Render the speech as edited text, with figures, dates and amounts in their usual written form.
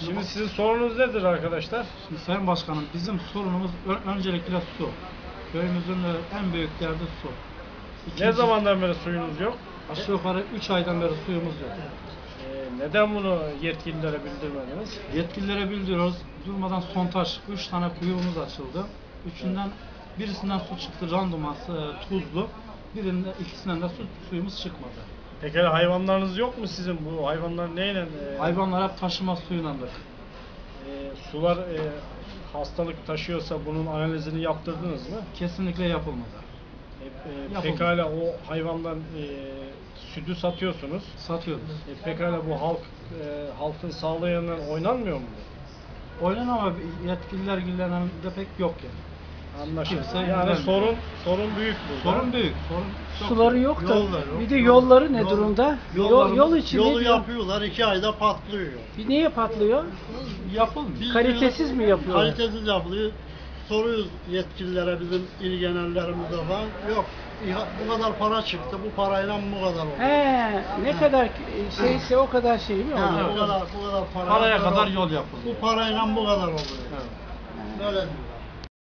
Şimdi sizin sorunuz nedir arkadaşlar? Şimdi Sayın Başkanım, bizim sorunumuz öncelikle su. Köyümüzün en büyük derdi su. Ne zamandan beri suyunuz yok? Aşağı yukarı 3 aydan beri suyumuz yok. Neden bunu yetkililere bildirmediniz? Yetkililere bildiriyoruz. Durmadan sondaj, 3 tane kuyumuz açıldı. Birisinden su çıktı randıması tuzlu. İkisinden de suyumuz çıkmadı. Peki hayvanlarınız yok mu sizin? Bu hayvanlar neyle? Hayvanlar hep taşıma suyundandır. Sular hastalık taşıyorsa bunun analizini yaptırdınız mı? Kesinlikle yapılmadı. Pekala o hayvandan sütü satıyorsunuz. Satıyoruz. Pekala bu halkın sağlığı yanından oynanmıyor mu? Oynan ama yetkililer de pek yok yani. Anlaşıldı. Kimse Yani ilgilenmiyor. sorun büyük burada. Sorun büyük. Sorun çok Suları büyük. yok da Yolları bir de yolları ne Yol- durumda? yollarımız- Yol içi ne Yolu diyor? yapıyorlar, 2 ayda patlıyor. Bir niye patlıyor? Yapılmıyor. Biz Kalitesiz mi yapıyorlar? Kalitesiz yapılıyor. Soruyoruz yetkililere, bizim ilgilenenlerimize falan. Yok, bu kadar para çıktı, bu parayla bu kadar oldu. He, ne kadar şeyse o kadar şey mi Ha, oluyor? bu kadar para. Paraya kadar yol yapılıyor. Bu parayla bu kadar oluyor. Evet. Böyle diyor.